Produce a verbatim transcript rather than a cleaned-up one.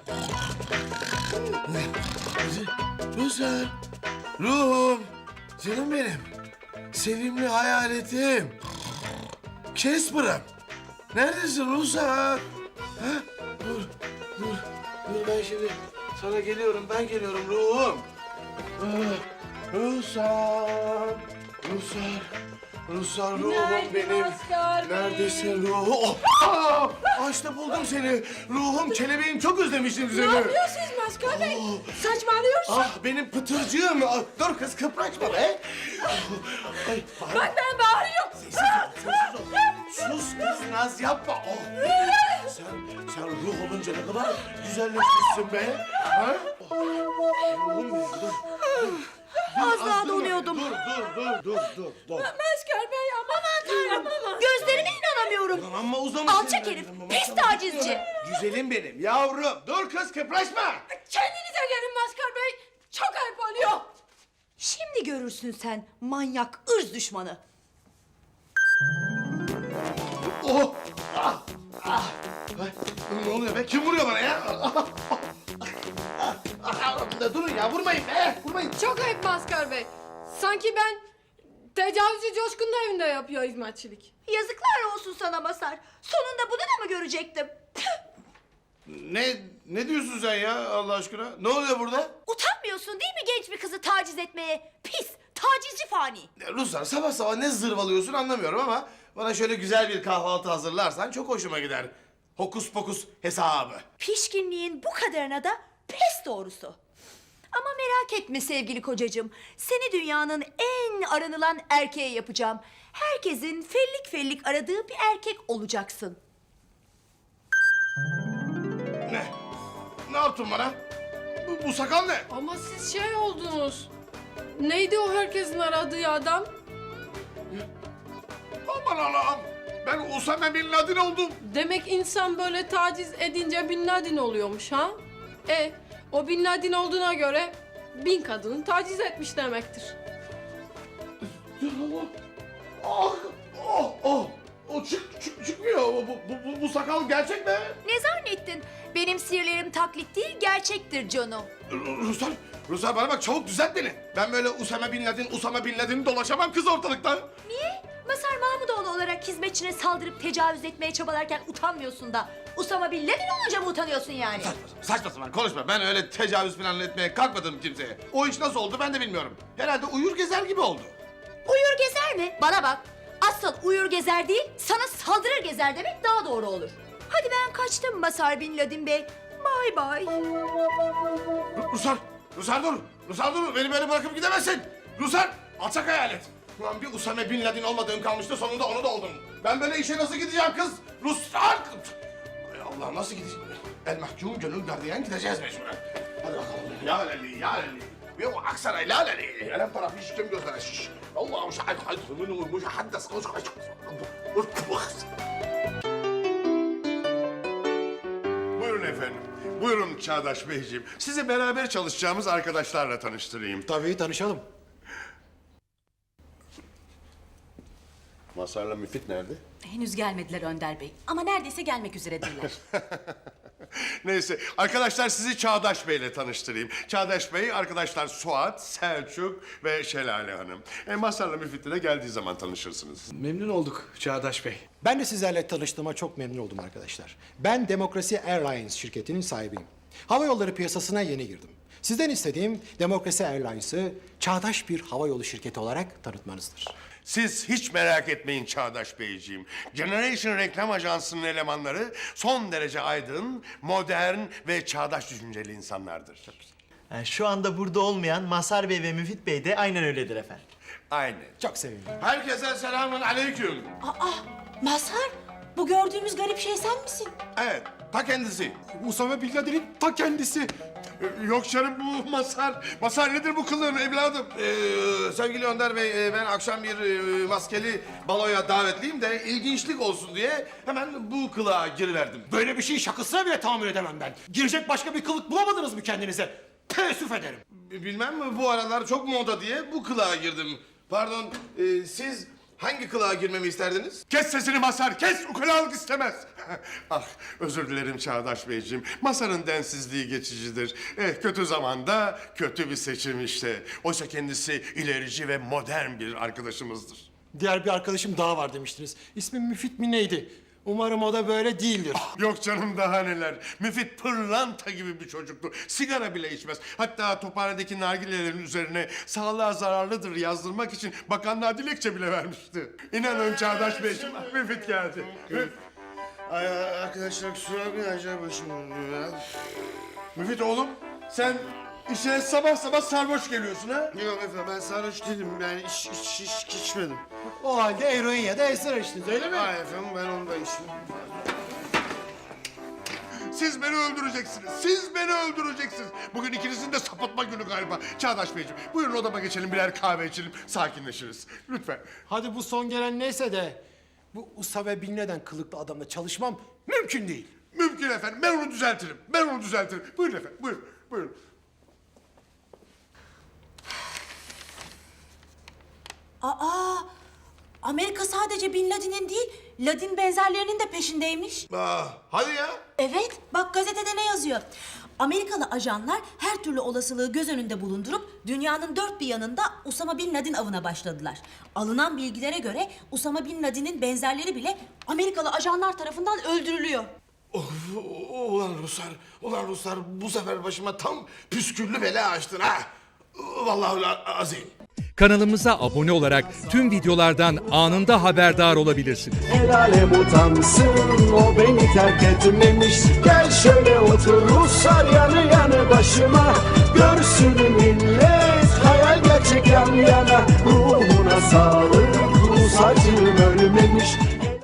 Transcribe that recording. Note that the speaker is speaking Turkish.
Ruslar, ruhum, canım benim, sevimli hayaletim, Casper'ım. Neredesin Ruslar? Ha? Dur, dur, dur ben şimdi sana geliyorum, ben geliyorum ruhum. Ah, Ruslar, Ruslar, Ruslar ruhum Günaydın benim. Oscar Bey. Neredesin ruhum? Oh, aa, ah, işte buldum seni. Ruhum, kelebeğim çok özlemiştim seni. Ne yapıyorsunuz Maskar Bey? Saçmalıyorsun. Ah benim pıtırcığım. Ah, dur kız kıpraşma be. Ay, bağırma. Bak ben bağırıyorum. Sessiz ol, sessiz ol. Sus kız, naz yapma. Oh. Sen, sen ruh olunca ne kadar güzelleşmişsin be. Ha? Oh. Ruhum benim, dur. dur. Az Dur, daha dur, donuyordum. Dur, dur, dur, dur, dur, dur. Maskar Bey aman tanrım aman. Gözlerime inanamıyorum. Ulan amma uzamış. Alçak herif, pis tacizci. Güzelim benim, yavrum. Dur kız, kıpraşma. Kendinize gelin Maskar Bey. Çok ayıp oluyor. Şimdi görürsün sen manyak ırz düşmanı. Oh! Ah! Ah! Ay, ne oluyor be? Kim vuruyor bana ya? Ah, ah, ah, ah, durun ya, vurmayın be! Vurmayın! Çok ayıp Maskar Bey. Sanki ben tecavüzcü Coşkun'un evinde yapıyor hizmetçilik. Yazıklar olsun sana Masar. Sonunda bunu da mı görecektim? Tüh! Ne, ne diyorsun sen ya Allah aşkına? Ne oluyor burada? Utanmıyorsun değil mi genç bir kızı taciz etmeye? Pis, tacizci fani. Ya Ruslar, sabah sabah ne zırvalıyorsun anlamıyorum ama... ...bana şöyle güzel bir kahvaltı hazırlarsan çok hoşuma gider. Hokus pokus hesabı. Pişkinliğin bu kadarına da pes doğrusu. Ama merak etme sevgili kocacığım. Seni dünyanın en aranılan erkeği yapacağım. Herkesin fellik fellik aradığı bir erkek olacaksın. Ne? Ne yaptın bana? Bu, bu sakal ne? Ama siz şey oldunuz. Neydi o herkesin aradığı adam? Aman Allah'ım! Ben Usame Bin Laden oldum. Demek insan böyle taciz edince Bin Laden oluyormuş ha? E, o Bin Laden olduğuna göre bin kadını taciz etmiş demektir. Ah! Oh! Oh! O çık, çık, çıkmıyor. Bu, bu, bu, bu sakal gerçek mi? Ne zannettin? Benim sihirlerim taklit değil, gerçektir Cano. Ruslar, Ruslar bana bak çabuk düzelt beni. Ben böyle Usame Bin Laden, Usame Bin Laden'i dolaşamam kız ortalıkta. Niye? Masar Mahmudoğlu olarak hizmetçine saldırıp tecavüz etmeye çabalarken utanmıyorsun da... ...Usama Bin Laden olunca mı utanıyorsun yani? Saçma, saçma sapan konuşma. Ben öyle tecavüz falan etmeye kalkmadım kimseye. O iş nasıl oldu ben de bilmiyorum. Herhalde uyur gezer gibi oldu. Uyur gezer mi? Bana bak. Asıl uyur gezer değil, sana saldırır gezer demek daha doğru olur. Hadi ben kaçtım Masar Bin Laden Bey. Bay bay. Ruslar, Ruslar dur. Ruslar dur. Beni böyle bırakıp gidemezsin. Ruslar, alçak hayalet. Ulan bir Usame Bin Laden olmadığım kalmıştı, sonunda onu da oldum. Ben böyle işe nasıl gideceğim kız? Ruslar! Ay Allah, nasıl gideceğim? El mahkum gönül gardiyan gideceğiz mecburen. Hadi bakalım. Ya leli, ya leli. Ve o aksana la leli. Elem tarafı şiştim gözlere şiş. Allah'ım şahit haydi. Minumul muşahaddes. Buyurun efendim. Buyurun Çağdaş Beyciğim. Sizi beraber çalışacağımız arkadaşlarla tanıştırayım. Tabii tanışalım. Masar'la Müfit nerede? Henüz gelmediler Önder Bey ama neredeyse gelmek üzeredirler. Neyse, arkadaşlar sizi Çağdaş Bey'le tanıştırayım. Çağdaş Bey, arkadaşlar Suat, Selçuk ve Şelale Hanım. E, Masar'la Müfit'le de geldiği zaman tanışırsınız. Memnun olduk Çağdaş Bey. Ben de sizlerle tanıştığıma çok memnun oldum arkadaşlar. Ben Demokrasi Airlines şirketinin sahibiyim. Hava yolları piyasasına yeni girdim. Sizden istediğim Demokrasi Airlines'ı çağdaş bir havayolu şirketi olarak tanıtmanızdır. Siz hiç merak etmeyin Çağdaş Beyciğim. Generation Reklam Ajansı'nın elemanları son derece aydın, modern ve çağdaş düşünceli insanlardır. Yani şu anda burada olmayan Masar Bey ve Müfit Bey de aynen öyledir efendim. Aynen. Çok sevindim. Herkese selamun aleyküm. Aa, Mazhar, bu gördüğümüz garip şey sen misin? Evet, ta kendisi. Usame Bin Laden'in ta kendisi. Yok canım bu Masar. Masar nedir bu kılığın evladım? Ee, sevgili Önder Bey, e, ben akşam bir e, maskeli baloya davetliyim de ilginçlik olsun diye hemen bu kılığa giriverdim. Böyle bir şey şakasına bile tahammül edemem ben. Girecek başka bir kılık bulamadınız mı kendinize? Teessüf ederim. B- Bilmem mi bu aralar çok moda diye bu kılığa girdim. Pardon, e, siz Hangi kılığa girmemi isterdiniz? Kes sesini Mazhar, kes! Ukalalık istemez. Ah, özür dilerim Çağdaş Beyciğim. Mazhar'ın densizliği geçicidir. Eh, kötü zamanda kötü bir seçim işte. Oysa kendisi ilerici ve modern bir arkadaşımızdır. Diğer bir arkadaşım daha var demiştiniz. İsmi Müfit mi neydi? Umarım o da böyle değildir. Yok canım daha neler. Müfit pırlanta gibi bir çocuktu. Sigara bile içmez. Hatta tophanedeki nargilelerin üzerine sağlığa zararlıdır yazdırmak için bakanlığa dilekçe bile vermişti. İnanın Çağdaş Beyciğim, Müfit geldi. Ay arkadaşlar kusura bakmayın acayip başım dönüyor ya. Müfit oğlum, sen işe sabah sabah sarhoş geliyorsun ha? Yok efendim ben sarhoş değilim yani iç, iç, iç, içmedim. O halde eroin ya da esrar içtiniz öyle mi? Hayır efendim ben onu da içtim. Siz beni öldüreceksiniz. Siz beni öldüreceksiniz. Bugün ikinizin de sapıtma günü galiba. Çağdaş Beyciğim, buyurun odama geçelim, birer kahve içelim, sakinleşiriz. Lütfen. Hadi bu son gelen neyse de bu Usame Bin Laden kılıklı adamla çalışmam mümkün değil. Mümkün efendim, ben onu düzeltirim. Ben onu düzeltirim. Buyurun efendim, buyurun, buyurun. Aa, Amerika sadece Bin Laden'in değil, Ladin benzerlerinin de peşindeymiş. Aa, hadi ya. Evet, bak gazetede ne yazıyor? Amerikalı ajanlar her türlü olasılığı göz önünde bulundurup dünyanın dört bir yanında Usama Bin Laden avına başladılar. Alınan bilgilere göre Usama Bin Laden'in benzerleri bile Amerikalı ajanlar tarafından öldürülüyor. Of, ulan Ruslar, ulan Ruslar bu sefer başıma tam püsküllü bela açtın ha. Vallahi ulan azim. Kanalımıza abone olarak tüm videolardan anında haberdar olabilirsiniz. El alem utansın, o beni terk etmemiş. Gel şöyle otur Ruslar yanı yanı başıma. Görsün millet hayal gerçek yan yana. Ruhuna sağlık, Rus acım ölmemiş.